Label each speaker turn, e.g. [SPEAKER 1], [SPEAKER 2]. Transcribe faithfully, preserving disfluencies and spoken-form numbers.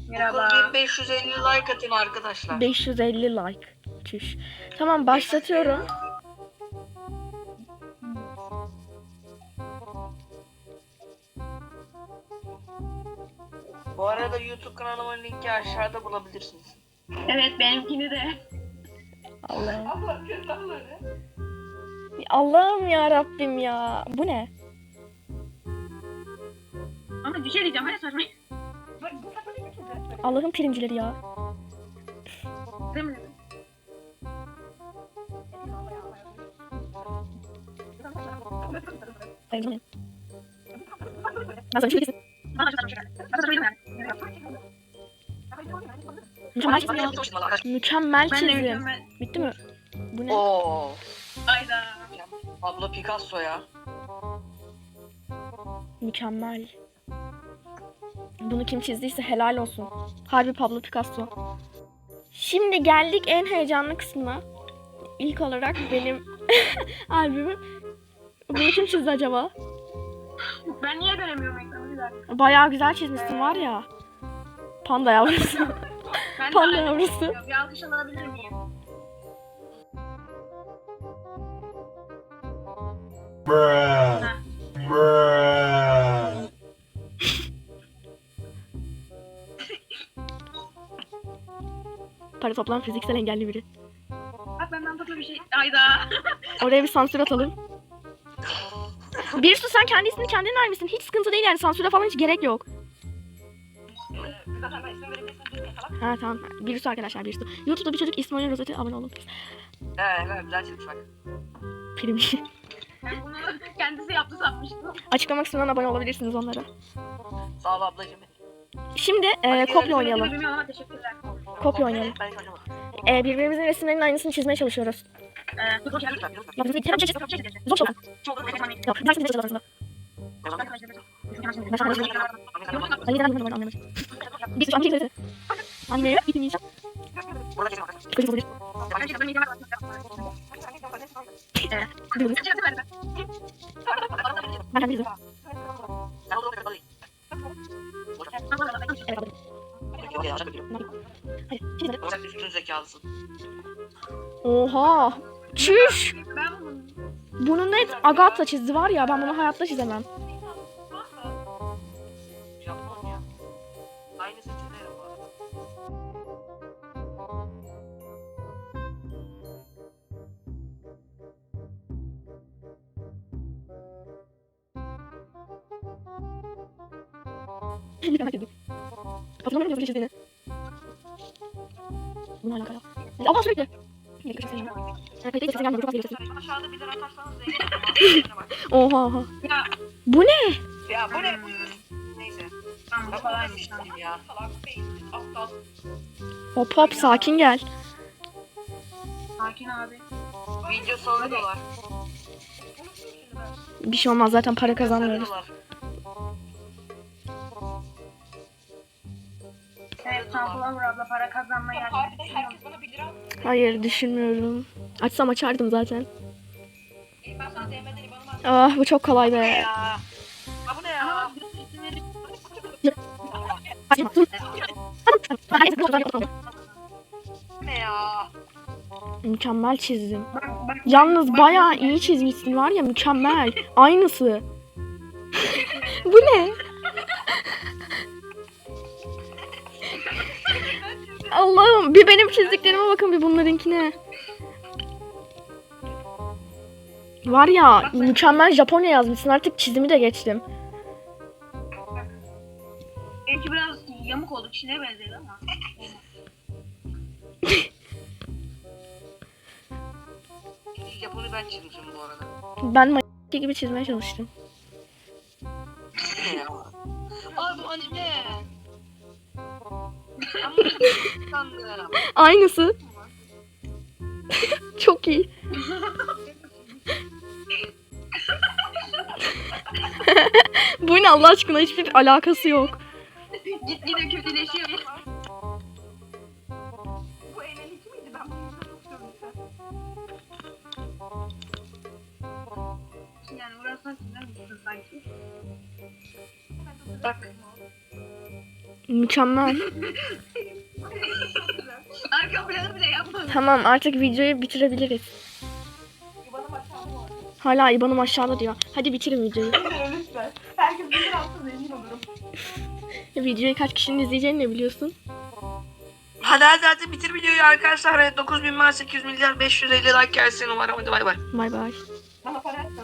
[SPEAKER 1] Merhaba.
[SPEAKER 2] bin beş yüz elli like atın arkadaşlar.
[SPEAKER 3] beş yüz elli like. Çüş. Tamam başlatıyorum.
[SPEAKER 2] Bu arada YouTube kanalımın linki aşağıda bulabilirsiniz.
[SPEAKER 1] Evet benimkini de.
[SPEAKER 3] Allah'ım. Allah'ım ya Rabbim ya. Bu ne?
[SPEAKER 1] Ama bir şey diyeceğim. Hani saçma.
[SPEAKER 3] Allah'ın primcileri ya.
[SPEAKER 1] Değil mi?
[SPEAKER 3] Hayır, bu ne? Ben sana bir şey kesin.
[SPEAKER 1] Bana çok saçma. Bana saçma yani.
[SPEAKER 3] Mükemmel çizim. Mükemmel
[SPEAKER 1] Ben de
[SPEAKER 3] çizim.
[SPEAKER 1] mükemmel.
[SPEAKER 3] Bitti mi? Bu ne?
[SPEAKER 2] Oo.
[SPEAKER 1] Hayda.
[SPEAKER 2] Pablo Picasso ya.
[SPEAKER 3] Mükemmel. Bunu kim çizdiyse helal olsun. Harbi Pablo Picasso. Şimdi geldik en heyecanlı kısmına. İlk olarak benim albümüm. Bunu kim çizdi acaba?
[SPEAKER 1] Ben niye göremiyorum ekranı bir dakika.
[SPEAKER 3] Bayağı güzel çizmişsin var ya. Panda yavrusu.
[SPEAKER 1] Ben de
[SPEAKER 3] Panda
[SPEAKER 1] aynı
[SPEAKER 3] yavrusu.
[SPEAKER 1] düşünüyorum. Bir alkış alabilir miyim?
[SPEAKER 4] Bruh.
[SPEAKER 1] Ha.
[SPEAKER 4] Bruh.
[SPEAKER 3] Para toplam fiziksel engelli biri.
[SPEAKER 1] Bak benden tatlı bir şey. Hayda.
[SPEAKER 3] Oraya bir sansür atalım. Birsu sen kendi ismini kendin vermişsin. Hiç sıkıntı değil yani sansüre falan hiç gerek yok. Ha tamam. Birsu arkadaşlar Birsu. YouTube'da bir çocuk İsmail Rozet'e abone olun.
[SPEAKER 2] Evet, evet güzel çizmiş bak.
[SPEAKER 3] Primci.
[SPEAKER 1] Ben bunu kendisi yaptı sanmıştım.
[SPEAKER 3] Açıklama kısmından abone olabilirsiniz onlara.
[SPEAKER 2] Sağ ol ablacığım.
[SPEAKER 3] Şimdi e, kopya oynayalım.
[SPEAKER 1] Bilmiyorum ama teşekkürler.
[SPEAKER 3] Kopya oynayalım.
[SPEAKER 2] Ben hiç oynamam.
[SPEAKER 3] E, birbirimizin resimlerinin aynısını çizmeye çalışıyoruz.
[SPEAKER 1] Ee, dur, dur, dur.
[SPEAKER 3] Ya bizim bir çiz. Zor çok. Ya ders bir çiz aslında. Ben sana resim Ben neden bilmiyorum anlamadım. Bir sürü anlayacak zaten. Anlayacak, bitirmeyeceğim.
[SPEAKER 2] Burada çizim arkadaşlar.
[SPEAKER 3] Kötü olabilir. Kırmızı. Ben kendim çizdim.
[SPEAKER 2] Sen o zaman kapalı.
[SPEAKER 3] Evet aldım.
[SPEAKER 2] Yok ya, şaka diyorum.
[SPEAKER 3] Hadi çizdim.
[SPEAKER 2] Sen üstün zekalısın.
[SPEAKER 3] Oha. Çüş.
[SPEAKER 1] Ben bunu
[SPEAKER 3] Bunu net Agatha çizdi var ya ben bunu hayatta çizemem.
[SPEAKER 2] Japon ya. Aynı seçeneğim bu arada.
[SPEAKER 3] Merak ettim. Hatırlamıyorum nasıl çizdiğini. Bununla alakalı. Allah sürekli. Bir dakika çizeyim. Evet, peki sesim gelmiyor. Çok az geliyor sesim.
[SPEAKER 2] Aşağıda bir lira atarsanız zengin olmam.
[SPEAKER 3] Oha oha.
[SPEAKER 1] ya
[SPEAKER 3] Bu ne?
[SPEAKER 2] Ya bu ne bu? Neyse.
[SPEAKER 1] tamam bu
[SPEAKER 2] Ben
[SPEAKER 1] kolaymış.
[SPEAKER 2] kolaymış ya. Salak beyinsiz aptal.
[SPEAKER 3] Hop hop sakin gel.
[SPEAKER 1] Sakin abi.
[SPEAKER 2] Video salıyorlar.
[SPEAKER 3] Bir şey olmaz zaten para kazanmıyoruz.
[SPEAKER 1] Evet Sunflower abla para kazanmaya geldi.
[SPEAKER 2] Herkes bana bir lira.
[SPEAKER 3] Hayır düşünmüyorum. Açsam açardım zaten.
[SPEAKER 2] Ben sana D M'den İBAN'ımı atayım.
[SPEAKER 3] Ah bu çok kolay be.
[SPEAKER 2] Ya. Ha bu ne ya?
[SPEAKER 1] Ama bir isimleri
[SPEAKER 2] Bu ne ya?
[SPEAKER 3] Mükemmel çizdim.
[SPEAKER 1] bak bak.
[SPEAKER 3] Yalnız bayağı iyi çizmişsin var ya mükemmel. Aynısı. Bu ne? Allah'ım bir benim çizdiklerime bakın bir bunlarınkine. Var ya mükemmel Japonya yazmışsın artık çizimi de geçtim.
[SPEAKER 1] Benimki biraz yamuk oldu. Çin'e benzedi ama.
[SPEAKER 2] Japon'u ben çizmişim bu arada.
[SPEAKER 3] Ben ma- gibi çizmeye çalıştım.
[SPEAKER 2] Ne ya? Aa bu anime. Ama sandım.
[SPEAKER 3] Aynısı. Çok iyi. Bu ne Allah aşkına hiçbir alakası yok.
[SPEAKER 1] Gitgide kötüleşiyor.
[SPEAKER 2] Bu eğlenici miydi? Ben bunu izlemiştim.
[SPEAKER 1] Yani burası çizer misin sanki?
[SPEAKER 2] Bak.
[SPEAKER 3] Mükemmel.
[SPEAKER 1] Arka planı bile yapmadım.
[SPEAKER 3] Tamam artık videoyu bitirebiliriz.
[SPEAKER 5] İban'ım aşağıda var.
[SPEAKER 3] Hala İban'ım aşağıda diyor. Hadi bitirin videoyu.
[SPEAKER 5] Lütfen. Herkes bir alsın zengin olurum.
[SPEAKER 3] Videoyu kaç kişinin izleyeceğini ne biliyorsun?
[SPEAKER 2] Hadi hadi hadi bitir videoyu arkadaşlar. dokuz bin var, sekiz milyar beş yüz elli like gelsin umarım. Hadi bay bay.
[SPEAKER 3] Bay bay.
[SPEAKER 5] Bana para